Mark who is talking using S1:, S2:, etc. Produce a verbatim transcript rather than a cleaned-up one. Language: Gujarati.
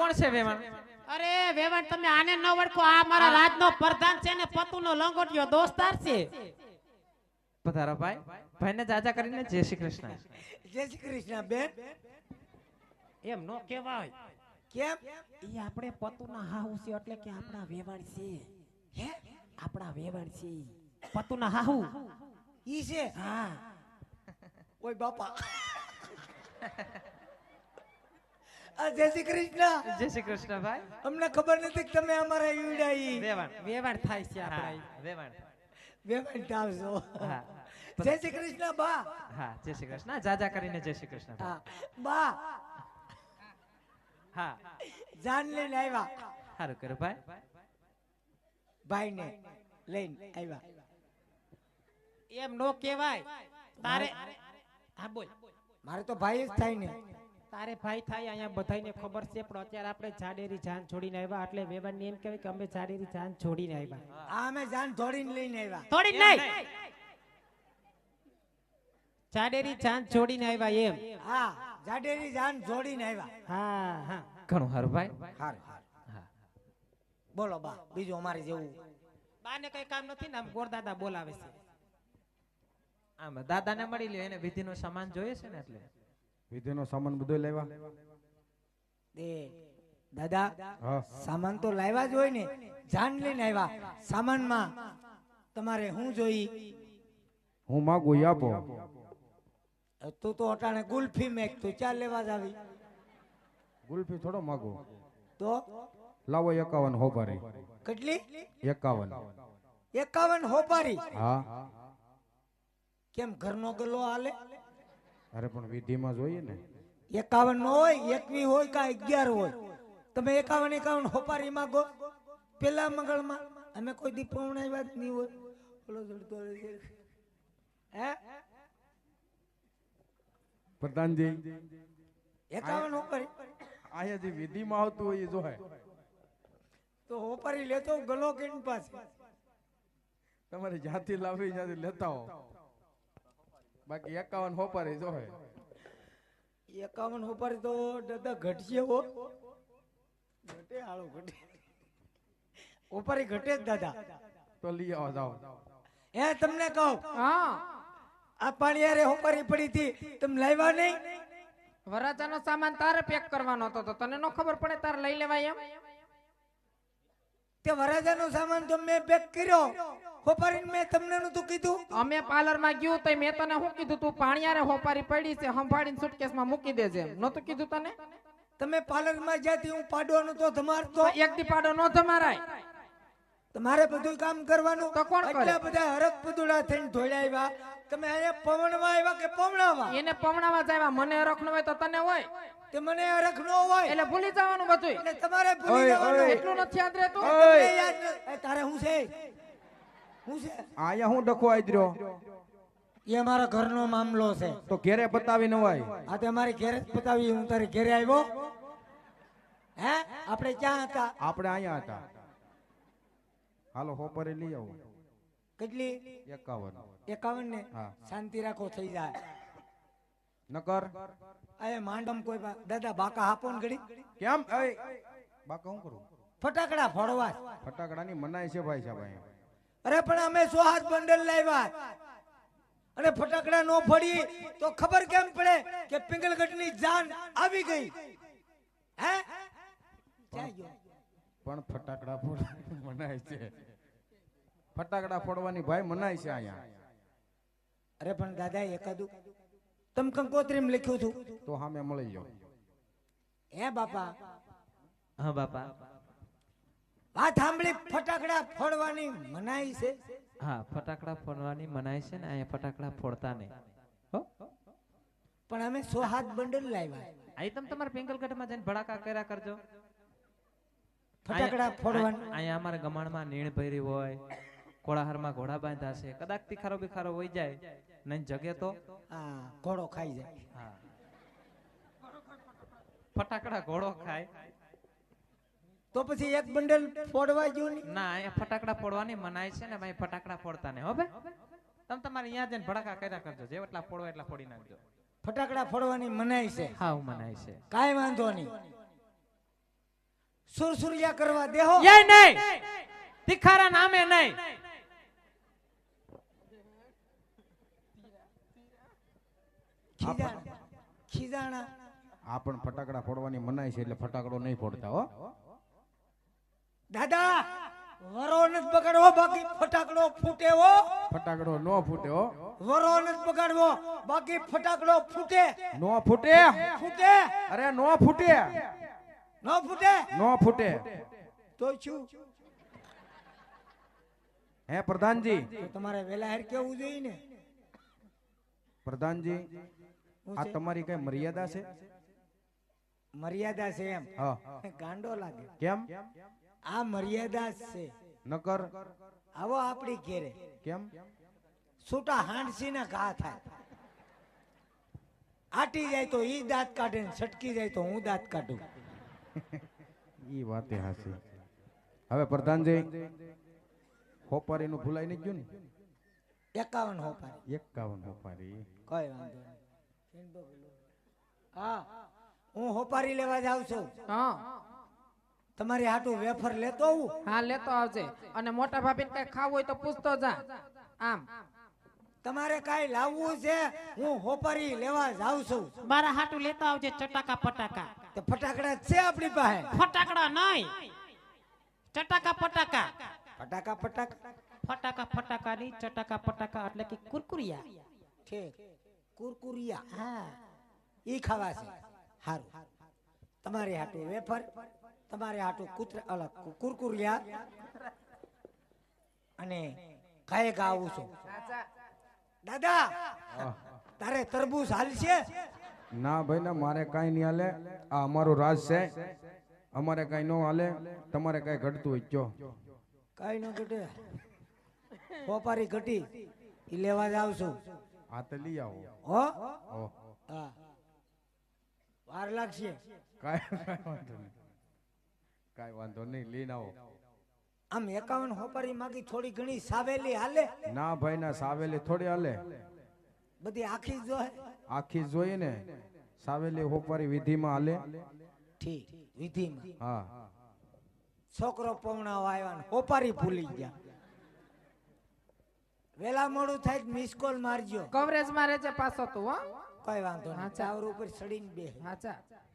S1: કોણ છે વેવાણ?
S2: અરે વેવાણ તમે આને ન ઓળખો, આ મારા રાજનો પ્રધાન છે ને પતુનો લંગોટિયો દોસ્તાર છે.
S1: પધારો ભાઈ. ભાઈને જાજા કરીને જય શ્રી કૃષ્ણ.
S3: જય શ્રી કૃષ્ણ બેન.
S2: એમ નો કહેવાય.
S3: કેમ?
S2: ઈ આપણે પતુના હાહુ છે એટલે કે આપણા વેવાણ છે.
S3: હે?
S2: આપણા વેવાણ છે. પતુના હાહુ.
S3: ઈ છે?
S2: હા.
S3: ઓય બાપા. આ જય શ્રી કૃષ્ણ.
S1: જય શ્રી કૃષ્ણ ભાઈ.
S3: અમને ખબર નથી કે તમે અમારા ઈવડા ઈ
S1: વેવાણ
S2: વેવાણ થાય છે આપણા.
S1: હા, વેવાણ.
S3: વેવાણ આવશો.
S1: હા.
S3: જય શ્રી કૃષ્ણ બા.
S1: હા, જય શ્રી કૃષ્ણ. જાજા કરીને જય શ્રી કૃષ્ણ.
S3: હા બા.
S1: હા.
S3: જાન લઈને આવ્યા.
S1: સારું કર્યું ભાઈ.
S3: ભાઈને લઈને આવ્યા.
S2: એમ નો કહેવાય. તારે હા બોલ.
S3: મારે તો ભાઈ જ થાય ને.
S2: તારે ભાઈ થાય અહીંયા બધાયને ખબર છે, પણ અત્યારે આપણે જાડેરી જાન છોડીને આવ્યા એટલે વેવાણને એમ કહેવાય કે અમે જાડેરી જાન છોડીને આવ્યા.
S3: આ અમે જાન ધોડીને લઈને આવ્યા.
S2: છોડીને નહીં, જાડેરી જાન છોડીને આવ્યા એમ.
S3: હા, જાડેરી જાન જોડીને આવ્યા.
S2: હા હા.
S1: ઘણું સારું ભાઈ.
S3: હારું.
S1: હા.
S3: બોલો બા, બીજું અમારે જેવું.
S2: બાને કઈ કામ નથી ને, આમ ગોરદાદા બોલાવે છે.
S1: આમ દાદાને મળી લ્યો, એને વિધિનો સામાન જોઈએ છે ને એટલે.
S4: વિધિનો સામાન બધો લેવા.
S3: દે દાદા,
S4: હા.
S3: સામાન તો લાવ્યા જ હોય ને. જાન લઈને આવ્યા. સામાનમાં તમારે શું જોઈ?
S4: હું માગું ઈ આપો.
S3: તું તો અટાણે ગુલ્ફી મેક તું ચાલ લેવા જ આવી.
S4: ગુલ્ફી થોડો માગું.
S3: તો
S4: લાવો એકાવન હોપારી.
S3: કેટલી?
S4: એકાવન.
S3: એકાવન હોપારી.
S4: હા.
S3: કેમ ઘરનો ગલ્લો હાલે?
S4: અરે પણ વિધિમાં જોઈએ ને.
S3: એકાવન નો હોય, એકવી હોય કે અગિયાર હોય. તમે એકાવન એકાવન હોપારી માંગો. પેલા મંગળમાં અમે કોઈ દી પૌણાવ્યા જ નહીં હોય. ઓલો જડતો રહે છે. હે
S4: પ્રધાનજી,
S3: એકાવન હોપારી
S4: અહીંયા જે વિધિમાં આવતું હોય એ જોહે.
S3: તો હોપારી લેતો ગલો કેની પાસે.
S4: તમારી જાતિ લાવી ત્યાંથી લેતા હો. બાકી એકાવન હોપારી જોહે.
S3: એકાવન હોપારી તો દાદા ઘટશે હો. ઘટે હાલો ઘટે. હોપારી ઘટે જ દાદા.
S4: તો લઈ આવો જાઓ.
S3: હે તમને કહું,
S2: હા.
S3: આ પાણીયારે હોપારી પડી હતી, તમે લાવ્યા નહીં?
S2: વરાજાનો સામાન તારે પેક કરવાનો હતો, તો તને નો ખબર પડે તારે લઈ લેવાય એમ?
S3: તે વરાજાનો સામાન તો મેં પેક કર્યો. હોપારીને મેં તમને નતું કીધું?
S2: અમે પાર્લર માં ગયું તો મેં તને શું કીધું, તું પાણીયારે હોપારી પડી છે સંભાળીને સુટકેસમાં મૂકી દેજે એમ નતું કીધું તને?
S3: તમે પાર્લર માં જ્યાંથી હું પાડવાનું તો તમારતો
S2: એક દી પાડો નો તમારાય.
S3: તમારે બધું કામ કરવાનું.
S2: તો કોણ કરે?
S3: એટલા બધા હરક પદુડા થઈને ધોળ્યા આવ્યા. તમે અહીંયા પવનમાં આવ્યા કે પવણાવા?
S2: એને પમણાવા જ આવ્યા, મને હરખ ન હોય તો તને હોય
S3: તે મને હરખ ન હોય
S2: એટલે ભૂલી જવાનું બધું.
S3: એટલે તમારે ભૂલી
S4: ઓય,
S3: જવાનું.
S4: ઓય.
S2: એટલું નથી યાદ રહેતું.
S3: તમને યાદ ન- એ તારે શું છે? શું છે?
S4: અહીંયા હું ડખો આદર્યો.
S3: એ અમારા ઘરનો મામલો છે.
S4: તો ઘેરે બતાવી નવાય.
S3: આ તે અમારી ઘેરે જ પતાવી. હું તારી ઘેરે આવ્યો. હે આપણે ક્યાં હતા?
S4: આપણે અહીંયા હતા. હાલો હોપારી લઈ આવો.
S3: કેટલી?
S4: એકાવન.
S3: એકાવન ને?
S4: હા.
S3: શાંતિ રાખો, થઈ જાય.
S4: નકર
S3: અરે માંડમ કોઈ બા- દાદા બાકા આપો ને ઘડી.
S4: કેમ? એ બાકા હું કરું?
S3: ફટાકડા ફોડવા.
S4: ફટાકડાની મનાઈ છે ભાઈ સાહેબ અહીંયા.
S3: અરે પણ અમે સો હાથ બંડલ લાવ્યા અને ફટાકડા નો ફોડી તો ખબર કેમ પડે કે પિંગલગઢ ની જાન આવી ગઈ? હે ક્યાં ગયો?
S4: પણ ફટાકડા ફોડવાની મનાઈ છે. ફટાકડા ફોડવાની ભાઈ મનાઈ છે અહીંયા.
S3: અરે પણ દાદા એકાદું તમ કંકોત્રીમાં લખ્યું છું
S4: તો સામે મળી જાઓ.
S3: હે બાપા?
S1: હા બાપા.
S3: વાત સાંભળી, ફટાકડા ફોડવાની મનાઈ છે.
S1: હા, ફટાકડા ફોડવાની મનાઈ છે ને અહીંયા ફટાકડા ફોડતા નહીં હો.
S3: પણ અમે સો હાથ બંડલ લાવ્યા.
S1: અહીં તમે તમારા પિંગલગઢમાં જઈને ભડાકા કર્યા કરજો.
S3: ફટાકડા ફોડવાની
S1: અહીંયા અમારા ગમાણમાં નીણ ભરી હોય, કોળાહારમાં ઘોડા બાંધા છે, કદાચ તીખારો બિખારો હોય જાય નહીં જગે તો
S3: હા ઘોડો ખાઈ જાય.
S1: હા, ફટાકડા ઘોડો ખાય
S3: તો પછી એક બંડલ ફોડવા ગયું નહીં?
S1: ના, અહીંયા ફટાકડા ફોડવાની મનાઈ છે ને ભાઈ, ફટાકડા ફોડતા નહીં હો ભાઈ. તમે તમારે અહીંયા જઈને ભડાકા કર્યા કરજો, જે એટલા ફોડવા એટલા ફોડી નાખજો.
S3: ફટાકડા ફોડવાની મનાઈ છે?
S1: હા, મનાઈ છે.
S3: કાઈ વાંધો નહીં. સુરસુરિયા કરવા દેહો
S1: એ નહીં તિખારા નામે નહીં
S3: ખીજાણા ખીજાણા
S4: આ પણ ફટાકડા ફોડવાની મનાઈ છે એટલે ફટાકડો નહીં ફોડતા હો
S3: દાદા વરો નથી બગાડવો બાકી ફટાકડો ફૂટે હો
S4: ફટાકડો નો ફૂટે હો
S3: વરો નથી બગાડવો બાકી ફટાકડો ફૂટે
S4: નો ફૂટે
S3: ફૂટે
S4: અરે નો ફૂટે
S3: ન ફૂટે
S4: નો ફૂટે
S3: તો શું
S4: હે પ્રધાનજી
S3: તો તમારે વેલા હેર કેવું જોઈએ ને
S4: પ્રધાનજી
S3: શું
S4: આ
S3: છે?
S4: તમારી કઈ મર્યાદા છે
S3: મર્યાદા છે એમ
S4: હા
S3: ગાંડો લાગે
S4: કેમ
S3: આ મર્યાદા જ છે
S4: નકર
S3: આવો આપણી ઘેરે
S4: કેમ
S3: છૂટા હાંડસી ના ઘા થાય આટી જાય તો ઈ દાંત કાઢે ને છટકી જાય તો હું દાંત કાઢું
S4: ઈ વાતે હાસી હવે પ્રધાનજી હોપારી નું ભૂલાઈ નહીં ગયું ને
S3: એકાવન હોપારી
S4: એકાવન હોપારી
S3: કઈ વાંધો નહીં હા હું હોપારી લેવા જાઉં છું
S5: હા
S3: તમારી હાટું વેફર લેતો આવું
S5: હા લેતો આવજે અને મોટા ભાભીને કઈ ખાવું હોય તો પૂછતો જા આમ
S3: તમારે કાઈ લાવવું છે હું હોપારી લેવા જાઉં છું
S2: મારા હાટું લેતા આવજે ચટાકા પટાકા
S3: તે ફટાકડા છે આપણી પાસે
S2: ફટાકડા નહીં ચટાકા પટાકા
S3: ફટાકા ફટાકા
S2: ફટાકા ફટાકા નહીં ચટાકા પટાકા એટલે કે કુરકુરિયા
S3: ઠીક કુરકુરિયા હા ઈ ખાવા છે હારું તમારી હાટું વેફર તમારે હાટું કૂતરા અલગ કુરકુરિયા અને કાય આવું છું દાદા તારે તરબૂચ હાલશે
S4: ના ભાઈ ના મારે કાઈ નહીં હાલે આ અમારું રાજ છે અમારે કાઈ ન હાલે તમારે કાઈ ઘટતું હોય કયો
S3: કઈ ન ઘટે હોપારી ઘટી ઈ લેવા જાવ છું
S4: આ તો લઈ આવો
S3: હો
S4: ઓહ
S3: હા વાર લાગશે
S4: કાઈ વાંધો નહીં કાઈ વાંધો નહીં લઈને આવો
S3: આમ એકાવન હોપારી માગી થોડી ઘણી સાવેલી હાલે
S4: ના ભાઈ ના સાવેલી થોડી હાલે
S3: બધી આખી જો હે
S4: આખી જોઈએ ને સાવેલી હોપારી વિધિમાં હાલે
S3: ઠીક વિધિમાં
S4: હા
S3: છોકરો પવણાવા આવ્યા ને હોપારી ભૂલી ગયા વેલા મોડું થાય મિસ કોલ મારજો
S5: કવરેજ માં રહેજે પાછો તું હો
S3: કઈ વાંધો નહીં
S5: હા, ચાલ.
S3: ટાવર ઉપર ચડીને બે
S5: હા ચા